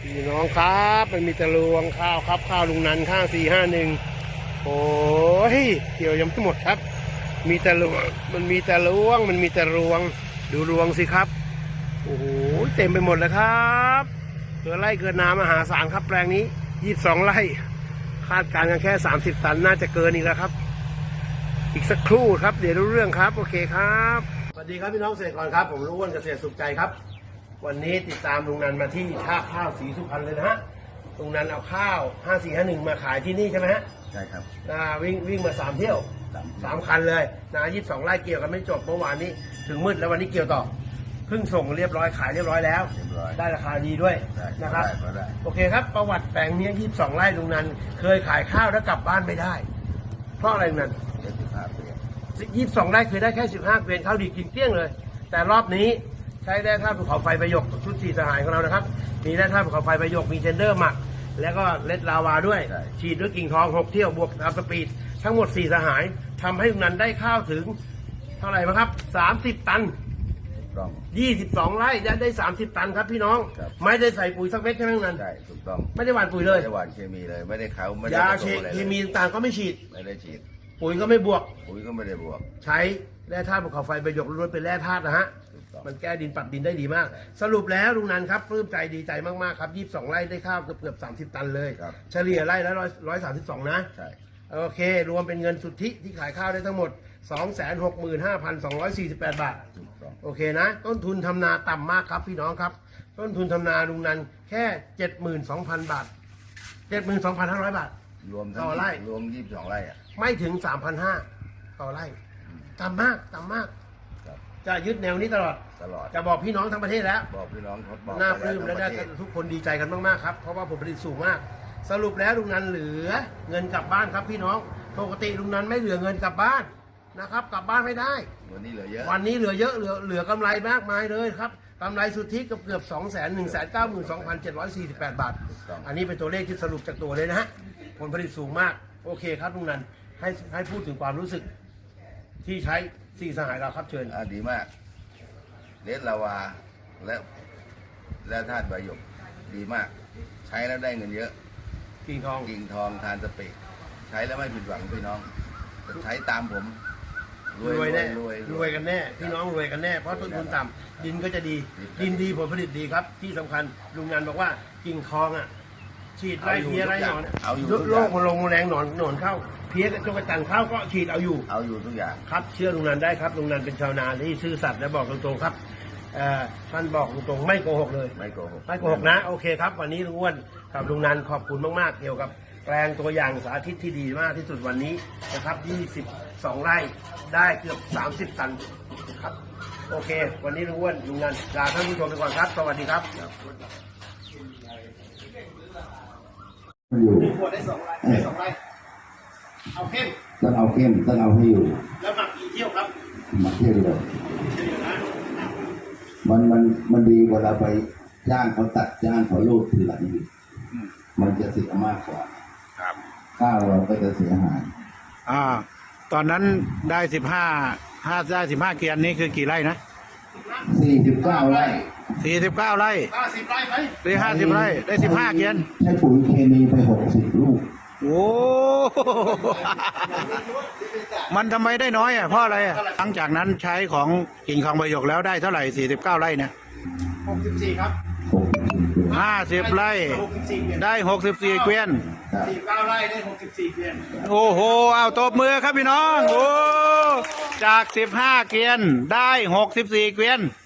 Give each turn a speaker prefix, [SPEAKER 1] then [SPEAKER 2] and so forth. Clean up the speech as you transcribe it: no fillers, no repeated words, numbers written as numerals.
[SPEAKER 1] พี่น้องครับมันมีแต่รวงข้าวครับข้าวลุงนันข้าง451โอ้ยเกี่ยวยังไม่หมดครับมีแต่รวงมันมีแต่รวงดูรวงสิครับโอ้โหเต็มไปหมดเลยครับเกิดไร่เกิดน้ำมหาศาลครับแปลงนี้22ไร่คาดการณ์กันแค่30ตันน่าจะเกินอีกแล้วครับอีกสักครู่ครับเดี๋ยวรู้เรื่องครับโอเคครับสวัสดีครับพี่น้องเกษตรกรครับผมรู้ว่าเกษตรสุขใจครับวันนี้ติดตามลุงนันมาที่ท่าข้าวศรีสุพรรณเลยนะฮะลุงนันเอาข้าว5451มาขายที่นี่ใช่ไหมฮะ
[SPEAKER 2] ใช่ครับ
[SPEAKER 1] วิ่งมา3เที่ยว3คันเลยนะ22ไร่เกี่ยวกันไม่จบเมื่อวานนี้ถึงมืดแล้ววันนี้เกี่ยวต่อเพิ่งส่งเรียบร้อยขายเรียบร้อยแล้วได้ราคาดีด้วยนะครับโอเคครับประวัติแปลงนี้22ไร่ลุงนันเคยขายข้าวแล้วกลับบ้านไม่ได้เพราะอะไรลุงนัน22ไร่เคยได้แค่15เกวียนข้าวดีกินเกลี้ยงเลยแต่รอบนี้ใช้แร่ธาตุภูเขาไฟประยกชุด4สหายของเรานะครับมีแร่ธาตุภูเขาไฟประยกมีเทนเดอร์หมักแล้วก็เลดลาวาด้วยฉีดด้วยกิ่งทอง6เที่ยวบวกอัพสปีดทั้งหมด4สหายทำให้ลุงนันได้ข้าวถึงเท่าไหร่มั้งครับ30ตัน22ไร่ได้30ตันครับพี่น้องไม่ได้ใส่ปุ๋ยสักเม็ดใช่ไหมลุงนัน
[SPEAKER 2] ใช่ถูกต้อง
[SPEAKER 1] ไม่ได้หว่านปุ๋ยเลย
[SPEAKER 2] ไม่ได้หว่านเคมีเลยไม่ได้เขาไม่ได้
[SPEAKER 1] ยาเคมีต่างๆก็ไม่ฉีด
[SPEAKER 2] ไม่ได้ฉีด
[SPEAKER 1] ปุ๋ยก็ไม่บวก
[SPEAKER 2] ปุ๋ยก็ไม่ได้บวก
[SPEAKER 1] ใช้แร่ธาตุภูเขาไฟประยกล้วนเป็นแร่ธาตุนะฮะมันแก้ดินปรับดินได้ดีมากสรุปแล้วลุงนันครับปลื้มใจดีใจมากๆครับ22ไร่ได้ข้าวเกือบ30ตันเลยเฉลี่ยไร่ละ132นะ
[SPEAKER 2] ใช่
[SPEAKER 1] โอเครวมเป็นเงินสุทธิที่ขายข้าวได้ทั้งหมด 265,248 บาทโอเคนะต้นทุนทำนาต่ำมากครับพี่น้องครับต้นทุนทำนาลุงนันแค่ 72,000 บาท 72,500 บาท
[SPEAKER 2] รวม
[SPEAKER 1] ต่อไร่
[SPEAKER 2] รวม22ไร่อะ
[SPEAKER 1] ไม่ถึง 3,500 ต่อไร่ต่ำมากจะยึดแนวนี้ตลอดจะบอกพี่น้องทั้งประเทศแล้ว
[SPEAKER 2] บอกพี่น้อง
[SPEAKER 1] บอกน่าปลื้มและได้ทุกคนดีใจกันมากๆครับเพราะว่าผลผลิตสูงมากสรุปแล้วลุงนันเหลือเงินกลับบ้านครับพี่น้องปกติลุงนันไม่เหลือเงินกลับบ้านนะครับกลับบ้านไม่ได้
[SPEAKER 2] วันนี้เหลือเยอะ
[SPEAKER 1] เหลือกำไรมากมายเลยครับกำไรสุทธิเกือบ 2,192,748 บาทอันนี้เป็นตัวเลขที่สรุปจากตัวเลยนะฮะผลผลิตสูงมากโอเคครับลุงนันให้พูดถึงความรู้สึกที่ใช้4สหายเราครับเชิญ
[SPEAKER 2] ดีมากเลดลาวาและธาตุใบหยกดีมากใช้แล้วได้เงินเยอะ
[SPEAKER 1] กิ่งท
[SPEAKER 2] องทานสเปกใช้แล้วไม่ผิดหวังพี่น้องใช้ตามผม
[SPEAKER 1] รวยแน่รวยกันแน่พี่น้องรวยกันแน่เพราะต้นทุนต่ำดินก็จะดีดินดีผลผลิตดีครับที่สำคัญลุงนันบอกว่ากิ่งทองอ่ะฉีดไล่เพี้ยไล่หนอนโรคมาลงแรงหนอนเข้าเพี้ยจงกระจันเข้าก็ฉีดเอาอยู่
[SPEAKER 2] ทุกอย่าง
[SPEAKER 1] ครับเชื่อลุงนันได้ครับลุงนันเป็นชาวนาที่ซื่อสัตย์และบอกตรงๆครับท่านบอกตรงๆไม่โกหกเลย
[SPEAKER 2] ไม่โกหก
[SPEAKER 1] นะโอเคครับวันนี้ลุงอ้วนกับลุงนันขอบคุณมากๆเกี่ยวกับแปลงตัวอย่างสาธิตที่ดีมากที่สุดวันนี้นะครับ22ไร่ได้เกือบ30ตันครับโอเควันนี้ลุงอ้วนลุงนันลาท่านผู้ชมไปก่อนครับสวัสดีครับ
[SPEAKER 3] อยู่
[SPEAKER 1] ขวดได้2ไร่เอาเข้ม
[SPEAKER 3] ต้องเอาให้อยู่
[SPEAKER 1] แล้วหมักกี่เที่ยวครับ
[SPEAKER 3] หมักเที่ยวเลยมันดีกว่าเราไปจ้างเขาตัดจ้างเขาลูดทีหลังอีกมันจะเสียมากกว่าข้าวเราก็จะเสียหาย
[SPEAKER 4] ตอนนั้นได้15เกียนนี้คือกี่ไร่นะ
[SPEAKER 3] 49ไร่
[SPEAKER 4] 49ไร่
[SPEAKER 1] 50ไร่ไหม
[SPEAKER 4] หรือ50ไร่ได้15เกียน
[SPEAKER 3] ใช้ปุ๋ยเคมีไป60ลูก
[SPEAKER 4] โอ้มันทำไมได้น้อยอ่ะเพราะอะไรอ่ะหลังจากนั้นใช้ของกิ่งทองใบหยกแล้วได้เท่าไหร่49ไร่เนี่ย
[SPEAKER 1] 64ครับ
[SPEAKER 4] 50ไร่ได้64เกวียน
[SPEAKER 1] 49ไร่ได้64เกวียน
[SPEAKER 4] โอ้โหเอาตบมือครับพี่น้องโอ้จาก15เกวียนได้64เกวียน